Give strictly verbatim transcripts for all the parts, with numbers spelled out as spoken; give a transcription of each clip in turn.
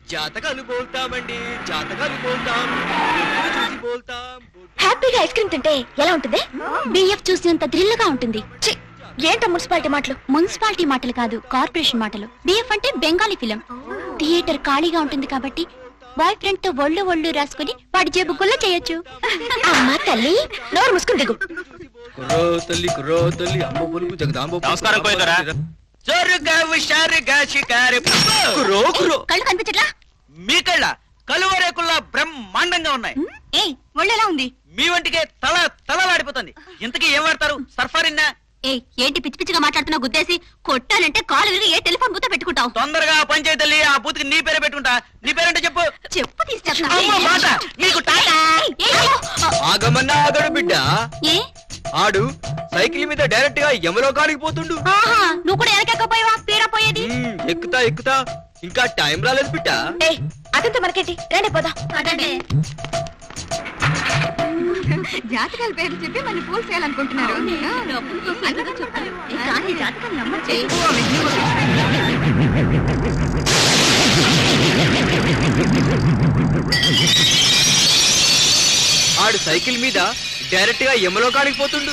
జాతకాలు బోల్తామండి, జాతకాలు బోల్తాం, చూసి బోల్తాం. హ్యాపీగా ఐస్ క్రీమ్ తింటే ఎలా ఉంటుంది? బిఎఫ్ చూసినంత థ్రిల్ గా ఉంటుంది. ఏంటో మున్సిపాలిటీ మాటలు? మున్సిపాలిటీ మాటలు కాదు, కార్పొరేషన్ మాటలు. బిఎఫ్ అంటే బెంగాలీ ఫిలం. థియేటర్ ఖాళీగా ఉంటుంది కాబట్టి బాయ్ ఫ్రెండ్ తో ఒళ్ళు ఒళ్ళు రాసుకుని వాడి జేబు గుల్ల చేయొచ్చు. అమ్మా తల్లి, నోరు ముసుకుని దిగు. కుర్రో తల్లి, కుర్రో తల్లి, అమ్మ పొలుపు జగదాంబ. నమస్కారం కోయిదరా. కళ్ళు కనిపించట్లా? మీ కళ్ళ కలువరేకుల్లా బ్రహ్మాండంగా ఉన్నాయి. ఏ ఒళ్ళు ఎలా ఉంది? మీ వంటికే తల తలలాడిపోతుంది. ఇంతకీ ఏం వాడతారు? సర్ఫారిన్నా? ఏ ఏంటి పిచ్చి పిచ్చిగా మాట్లాడుతున్నా? గుద్దేసి కొట్టానంటే కాలు విరిగి ఏ టెలిఫోన్ బూత పెట్టుకుంటావు? తొందరగా పంచాయతీ తల్లి, ఆ బూత్కి నీ పేరే పెట్టుకుంటా. నీ పేరంటే చెప్పు. చెప్పు ఆగమన్నా ఆగడు బిడ్డ. ఏ ఆడు సైకిల్ మీద డైరెక్ట్ గా యమలోకానికి పోతుండు. నువ్వు కూడా ఎనకెక్కపోయావా? తీరా పోయేది. ఎక్కుతా ఎక్కుతా, ఇంకా టైం రాలేదు బిడ్డ. అదంతా మనకేంటి, రండి పోదాం. జాతకాల పేరు చెప్పి మన పూలు చేయాలనుకుంటున్నారు. ఆడు సైకిల్ మీద డైరెక్ట్ గా యమలోకానికి పోతుండు.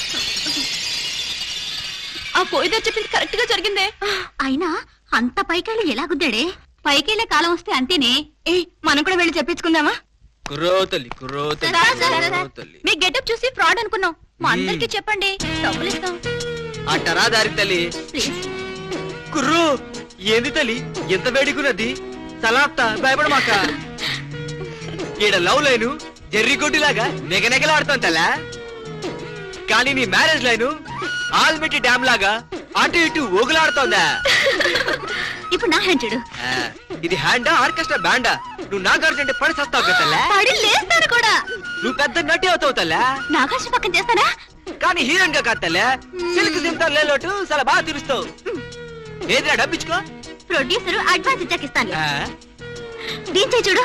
ఆ పోయిదో చెప్పింది కరెక్ట్ గా జరిగిందే. అయినా అంత పైకెళ్ళి ఎలా గుద్దాడే? పైకెళ్ళే కాలం వస్తే అంతేనే. ఏ మనం కూడా వెళ్ళి చెప్పించుకుందామా? కుర్రో తల్లి, కుర్రో తల్లి. మీ గెటప్ చూసి ఫ్రాడ్ అనుకున్నాం. మా అందరికి చెప్పండి, డబ్బులు ఇస్తాం. అట్టరా దారి తల్లి. కుర్రో ఏంది తల్లి ఎంత వేడికున్నది? సలాప్తా భయపడమాక. ఈడ లవ్ లైను జెర్రిగొడ్డిలాగా నెగనెగలాడుతాం తల్లా. కానీ నీ మ్యారేజ్ లైను ఆల్మెట్టి డ్యామ్ లాగా అటు ఇటు ఊగులాడుతోందా? ఇప్పుడు నా హ్యాండ్ చూడు. ఇది హ్యాండా ఆర్కెస్ట్రా బ్యాండా? నువ్వు నాగార్జున పడి సస్తావు కదా. లేస్తాను కూడా. నువ్వు పెద్ద నటి అవుతావు తల్లా. నాగార్జున పక్కన చేస్తానా? కానీ హీరోయిన్ గా కాదు తల్లా. సిల్క్ సింతా లేలోటు చాలా బాగా తీరుస్తావు. ఏదిరా డబ్బిచ్చుకో. ప్రొడ్యూసర్ అడ్వాన్స్ ఇచ్చాక ఇస్తాను. దీంచే చూడు.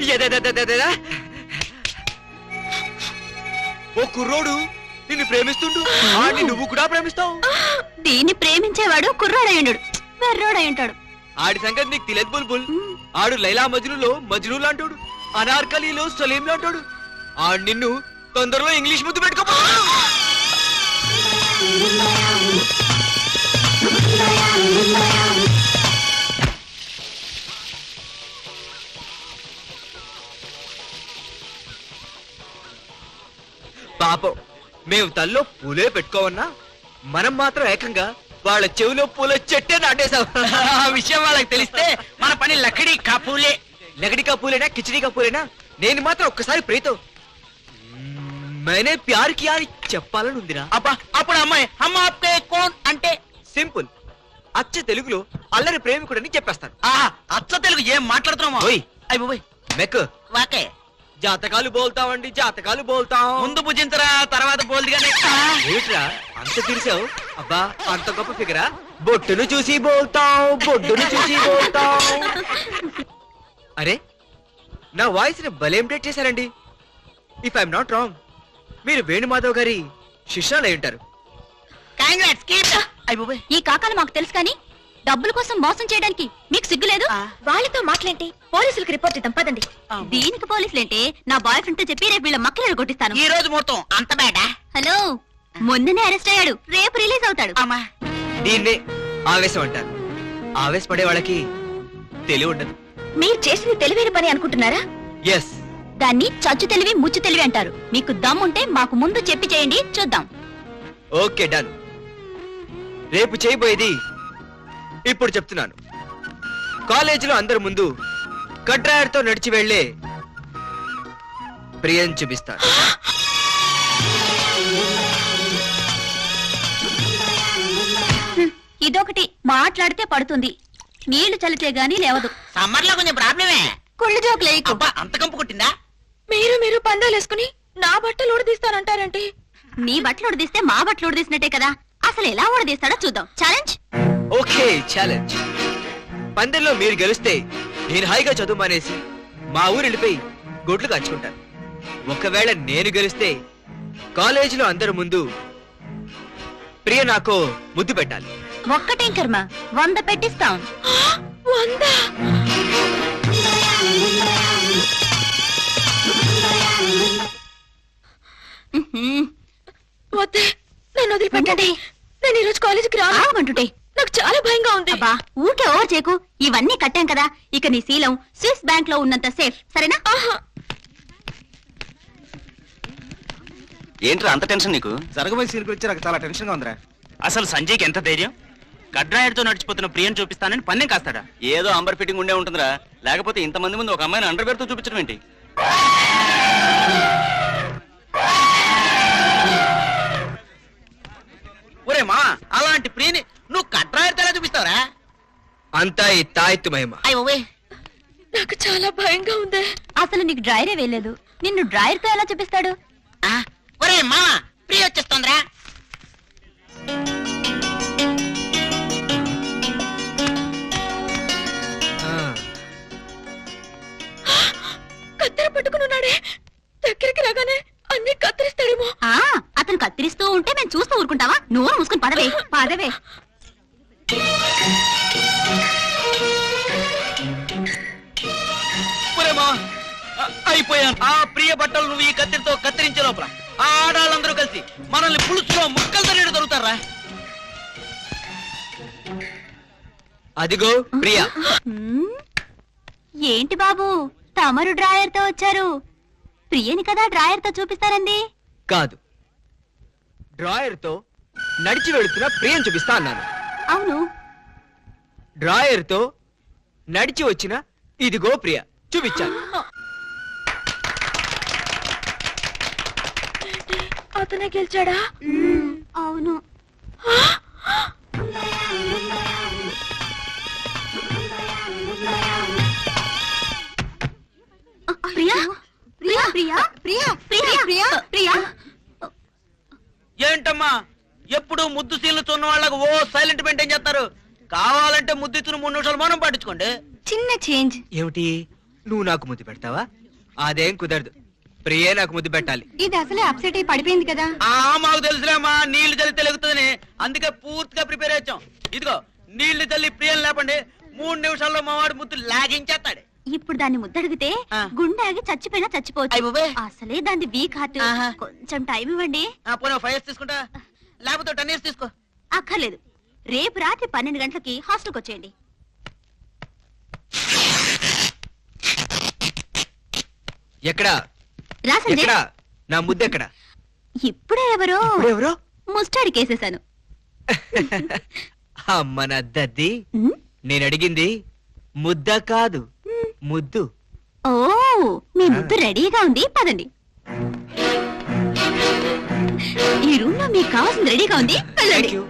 ఓ కుర్రోడు నిన్ను ప్రేమిస్తుండు. ఆడిని నువ్వు కూడా ప్రేమిస్తావు. దీన్ని ప్రేమించేవాడు కుర్రోడయ్యుండు, వెర్రోడై ఉంటాడు. ఆడి సంగతి నీకు తెలియదు బుల్బుల్. ఆడు లైలా మజ్నులో మజ్ను లాంటోడు, అనార్కలీలో సలీం లాంటోడు. ఆడు నిన్ను తొందరలో ఇంగ్లీష్ ముద్దు పెట్టుకో. పాపం మేము తల్లో పూలే పెట్టుకోవన్నా, మనం మాత్రం ఏకంగా వాళ్ళ చెవిలో పూల చెట్టే నాటేశాం. ఆ విషయం వాళ్ళకి తెలిస్తే మన పని లక్కడి కాపూలే. లకడి కా పూలేనా కిచడి కా పూలేనా? నేను మాత్రం ఒక్కసారి ప్రీతో మేనే ప్యార్ కియా అని చెప్పాలని ఉందిరా. అబ్బా అప్పుడు అమ్మాయి అమ్మ ఆప్కే కోన్ అంటే సింపుల్. అచ్చ తెలుగులో అల్లరి ప్రేమికుడని చెప్పేస్తాను. ఆహా, అచ్చ తెలుగు ఏం మాట్లాడుతున్నామా? అయ్యి మెక్ వాకే జాతకాలు బోల్తామండి, జాతకాలు బోల్తాం. ముందు భుజించరా, తర్వాత బోల్దిగానే. ఏమిట్రా అంత తీర్చావు? అబ్బా అంత గొప్ప ఫిగరా? బొట్టును చూసి బోల్తాం, బొడ్డును చూసి బోల్తాం. అరే నా వాయిస్ ని భలే ఇంప్రెట్ చేశారండి. ఇఫ్ ఐఎమ్ నాట్ రాంగ్, మీరు వేణుమాధవ్ గారి శిష్యులు అయి ఉంటారు. ఈ కాకాలు మాకు తెలుసు కానీ డబ్బుల కోసం మోసం చేయడానికి మీకు సిగ్గు లేదు? వాళ్ళతో మాట్లాడి పోలీసులకు రిపోర్ట్ ఇద్దాం పదండి. దీనికి పోలీసులేంటే నా బాయ్ ఫ్రెండ్ తో చెప్పి రేపు వీళ్ళ మక్కలు కొట్టిస్తాను. ఈ రోజు మొత్తం అంత బేడా? హలో, మొన్ననే అరెస్ట్ అయ్యాడు, రేపు రిలీజ్ అవుతాడు. దీన్నే ఆవేశం అంటారు. ఆవేశపడే వాళ్ళకి తెలివి ఉండదు. మీరు చేసింది తెలివైన పని అనుకుంటున్నారా? ఎస్. దాన్ని చచ్చు తెలివి ముచ్చు తెలివి అంటారు. మీకు దమ్ముంటే మాకు ముందు చెప్పి చేయండి, చూద్దాం. Okay done. రేపు చేయబోయేది ఇప్పుడు చెప్తున్నాను. కాలేజీలో అందరి ముందు కట్రాయర్తో నడిచి వెళ్లే ప్రియం చూపిస్తాను. ఇదొకటి, మాట్లాడితే పడుతుంది, నీళ్లు చల్లితే గానీ లేవదు. సమ్మర్ లో కొంచెం ప్రాబ్లమే. కుళ్ళు జోకులే. అంత కంపు కొట్టిందా? మీరు మీరు పందాలేసుకుని నా బట్టలు ఉడదీస్తానంటారేంటి? నీ బట్టలు ఉడదీస్తే మా బట్టలు ఉడదీసినట్టే కదా. అసలు ఎలా ఉడదీస్తాడో చూద్దాం. ఛాలెంజ్. Okay challenge. పందెంలో మీరు గెలిస్తే నేను హాయిగా చదువు మానేసి మా ఊరు వెళ్ళిపోయి గొడ్లు కాంచుకుంటాను. ఒకవేళ నేను గెలిస్తే కాలేజీలో అందరి ముందు ప్రియ నాకు ముద్దు పెట్టాలి. ఒక్కటేం కర్మ, వంద పెట్టిస్తాం. వంద ఏంటంటే నేను ఈరోజు కాలేజీకి రామంటుంటే నాకు చాలా భయంగా ఉంది. అబ్బా ఊరికే ఓవర్ చేయకు, ఇవన్నీ కట్టాం కదా, ఇక నీ శీలం స్విస్ బ్యాంక్ లో ఉన్నంత సేఫ్, సరేనా? ఏంట్రా అంత టెన్షన్ నీకు? జరగబోయే సీన్ గురించి నాకు చాలా టెన్షన్ గా ఉందిరా. అసలు సంజయ్కి ఎంత ధైర్యం? కడ్రాయడ్తో నడిచిపోతున్న ప్రియం చూపిస్తానని పన్నెం కాస్తాడా? ఏదో అంబర్ ఫిట్టింగ్ ఉండే ఉంటుందిరా, లేకపోతే ఇంతమంది ముందు ఒక అమ్మాయిని అండర్ తో చూపించడం ఏంటి? ఒరే మా, అలాంటి ప్రియని నువ్వు కడ్రాయడ్తో ఎలా చూపిస్తావురా? అంతా ఈ తాయెత్తు మహిమ. అయ్యో నాకు చాలా భయంగా ఉంది. అసలు నీకు డ్రైరే వేయలేదు, నిన్ను డ్రైర్ తో ఎలా చూపిస్తాడు? ఒరే మా, ప్రియ వచ్చేస్తుందిరా. కత్తెర పట్టుకున్నాడే, దగ్గరికి రాగానే అన్ని కత్తిరిస్తాడేమో. అతను కత్తిరిస్తూ ఉంటే మేము చూస్తూ ఊరుకుంటావా? నువ్వు మూసుకుని పదవే పదవే. అయిపోయాను. ఆ ప్రియ బట్టలు నువ్వు ఈ కత్తిరితో కత్తిరించే లోపల ఆ ఆడాళ్ళందరూ కలిసి మనల్ని పులుసులో ముక్కలు తల్లి దొరుకుతారా? అదిగో ప్రియా. ఏంటి బాబు తమరు డ్రాయర్ తో వచ్చారు? ప్రియని కదా డ్రాయర్ తో చూపిస్తారండి. కాదు, డ్రాయర్ తో నడిచి వెళుతున్న ప్రియం చూపిస్తా అన్నాను. అవును, డ్రాయర్ తో నడిచి వచ్చిన ఇదిగో ప్రియ చూపించాను. అతనే గెలిచాడా? అవును. ప్రియా ప్రియా ప్రియా ప్రియా ప్రియా ప్రియా ప్రియా ఏంటమ్మా ఎప్పుడు ముద్దు సీన్లు చూన్న వాళ్ళకు ఓ సైలెంట్ మెయింటైన్ చేస్తారు? కావాలంటే ముద్దు ఇచ్చిన మూడు నిమిషాలు మౌనం పాటించుకోండి. చిన్న చేంజ్. ఏమిటి, నువ్వు నాకు ముద్దు పెడతావా? అదేం కుదరదు, ప్రియే నాకు ముద్దు పెట్టాలి. ఇది అసలే అప్సెట్ అయి పడిపోయింది కదా. ఆ మాకు తెలుసులేమ్మా, నీళ్లు చల్లి తెలుగుతుందని, అందుకే పూర్తిగా ప్రిపేర్ అయ్యాం. ఇదిగో నీళ్లు చల్లి ప్రియం లేపండి, మూడు నిమిషాల్లో మా వాడు ముద్దు లాగించేస్తాడు. ఇప్పుడు దాన్ని ముద్దడిగితే గుండె ఆగి చచ్చిపోయినా చచ్చిపోవచ్చు. అసలే దాన్ని వీక్ హార్ట్, కొంచెం టైం ఇవ్వండి. పోనీ ఫైవ్ ఇయర్స్ తీసుకుంటా, లేకపోతే టెన్ ఇయర్స్ తీసుకో. అక్కర్లేదు, రేపు రాత్రి పన్నెండు గంటలకి హాస్టల్కి వచ్చేయండి. ఎక్కడా రా సంజయ్. ఎక్కడా నా ముద్దు ఎక్కడా? ఇప్పుడే ఎవరో ఎవరో ముస్టాడి కేసేశాను. అమ్మ నా దద్ది, నేను అడిగింది ముద్ద కాదు, ముద్దు. ఓ మీ ముద్దు రెడీగా ఉంది, పదండి. ఈ రూమ్ లో మీకు కావాల్సింది రెడీగా ఉంది, వెళ్ళండి. Thank you.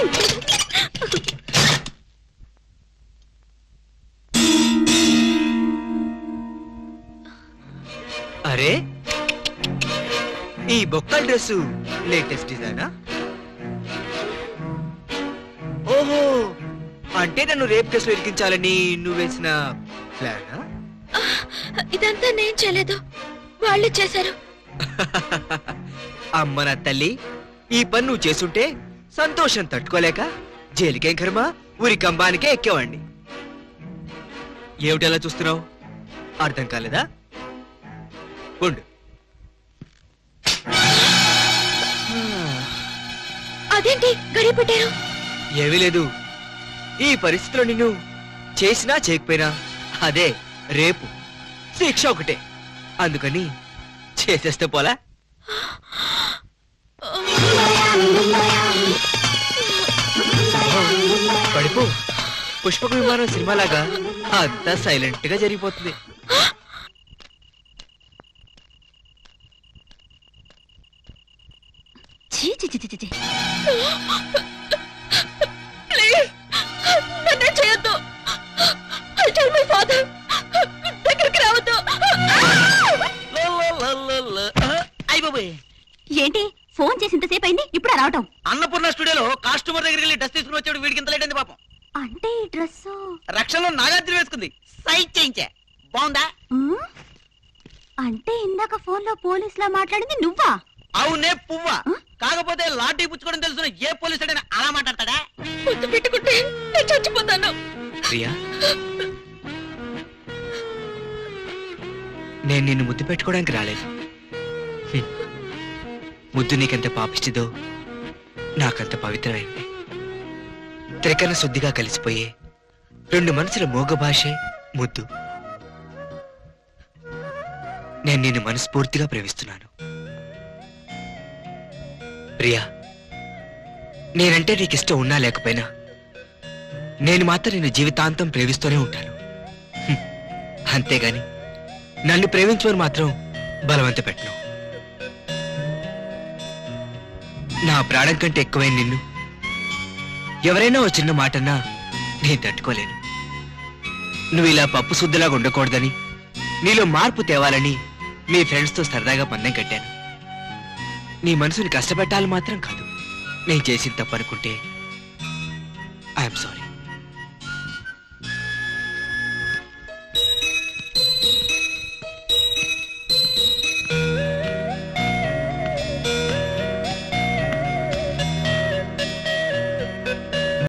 అరే, ఈ బొక్కల డ్రెస్ లేటెస్ట్ డిజైనా? ఓహో, అంటే నన్ను రేప్ కేసులో ఇరికించాలని నువ్వు వేసిన ప్లానా? ఇదంతా నేను చేయలేదు, వాళ్ళు చేశారు. అమ్మ నా తల్లి, ఈ పని నువ్వు చేసుంటే సంతోషం తట్టుకోలేక జైలుకేం కర్మ, ఊరి కంబానికే ఎక్కేవాణ్ణి. ఏమిటలా చూస్తున్నావు? అర్థం కాలేదా? ఉండు. అదేంటి గడియ పెట్టారు? ఏమీ లేదు, ఈ పరిస్థితిలో నిన్ను చేసినా చేయకపోయినా అదే రేపు, శిక్ష ఒకటే. అందుకని చేసేస్తే పోలా? పడిపో, పుష్పక విమానం సినిమాలాగా అంతా సైలెంట్ గా జరిగిపోతుంది. చీ చీ చీ చీ చీ. ప్లీజ్ నన్ను చేయొద్దు. ఐ టెల్ మై ఫాదర్, దగ్గరికి రావద్దు. ఏంటి ఫోన్ చేసి ఇంతసేపు అయింది, ఇప్పుడు రావటం? అన్నపూర్ణ స్టూడియోలో కాస్ట్యూమర్ దగ్గరికి వెళ్ళి డ్రెస్ తీసుకుని వచ్చాడు, వీడికి ఇంత లేట్ అయింది పాపం. అంటే ఈ డ్రెస్ రక్షణలో నాగార్జున వేసుకుంది, సైజ్ చేయించా. బాగుందా? అంటే ఇందాక ఫోన్ లో పోలీస్ లా మాట్లాడింది నువ్వా? అవునే పువ్వా, కాకపోతే లాఠీ పుచ్చుకోవడం తెలుసు ఏ పోలీసు అలా మాట్లాడతాడా? ముద్దు పెట్టుకుంటే నేను చచ్చిపోతాను. ప్రియా, నేను నిన్ను ముద్దు పెట్టుకోవడానికి రాలేదు. హ్మ్. ముద్దు నీకెంత పాపిస్తుందో నాకంత పవిత్రమైంది. త్రికరణ శుద్ధిగా కలిసిపోయే రెండు మనసుల మోగ భాషే ముద్దు. నేను నిన్ను మనస్ఫూర్తిగా ప్రేమిస్తున్నాను ప్రియా. నేనంటే నీకు ఇష్టం ఉన్నా లేకపోయినా నేను మాత్రం నిన్ను జీవితాంతం ప్రేమిస్తూనే ఉంటాను. హ్మ్. అంతేగాని నన్ను ప్రేమించమని మాత్రం బలవంత పెట్టను. నా ప్రాణం కంటే ఎక్కువైన నిన్ను ఎవరైనా ఓ చిన్న మాటన్నా నేను తట్టుకోలేను. నువ్వు ఇలా పప్పు శుద్ధిలాగా ఉండకూడదని, నీలో మార్పు తేవాలని మీ ఫ్రెండ్స్తో సరదాగా పందెం కట్టాను. నీ మనసుని కష్టపెట్టాలి మాత్రం కాదు. నేను చేసిన తప్పు అనుకుంటే ఐఎమ్ సారీ.